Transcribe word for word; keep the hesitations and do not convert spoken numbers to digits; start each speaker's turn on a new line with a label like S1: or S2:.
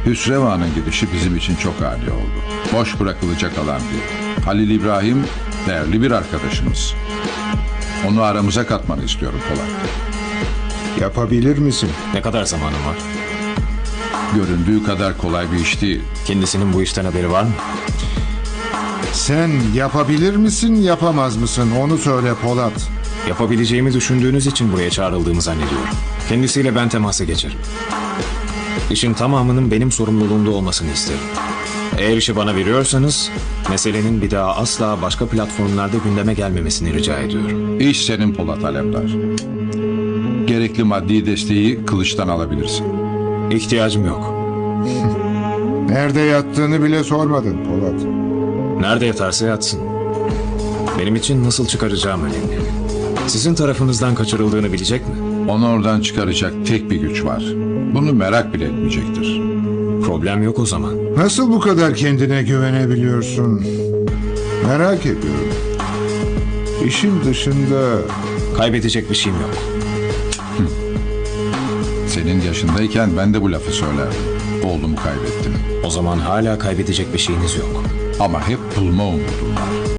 S1: Hüsrevan'ın gidişi bizim için çok ani oldu. Boş bırakılacak alan değil. Halil İbrahim değerli bir arkadaşımız. Onu aramıza katmanı istiyorum Polat.
S2: Yapabilir misin?
S3: Ne kadar zamanım var?
S1: Göründüğü kadar kolay bir iş değil.
S3: Kendisinin bu işten haberi var mı?
S2: Sen yapabilir misin, yapamaz mısın? Onu söyle Polat.
S3: Yapabileceğimi düşündüğünüz için buraya çağrıldığımı zannediyorum. Kendisiyle ben temasa geçerim. İşin tamamının benim sorumluluğumda olmasını isterim. Eğer işi bana veriyorsanız, meselenin bir daha asla başka platformlarda gündeme gelmemesini rica ediyorum.
S1: İş senin Polat Alemdar. Gerekli maddi desteği Kılıç'tan alabilirsin.
S3: İhtiyacım yok.
S2: Nerede yattığını bile sormadın Polat.
S3: Nerede yatarsa yatsın. Benim için nasıl çıkaracağım önemli. Sizin tarafınızdan kaçırıldığını bilecek mi?
S1: Onu oradan çıkaracak tek bir güç var. Bunu merak bile etmeyecektir.
S3: Problem yok o zaman.
S2: Nasıl bu kadar kendine güvenebiliyorsun? Merak ediyorum. İşin dışında
S3: Kaybedecek bir şeyim yok.
S1: Senin yaşındayken ben de bu lafı söylerdim. Oğlumu kaybettim.
S3: O zaman hala kaybedecek bir şeyiniz yok.
S1: Ama hep bulma umudum var.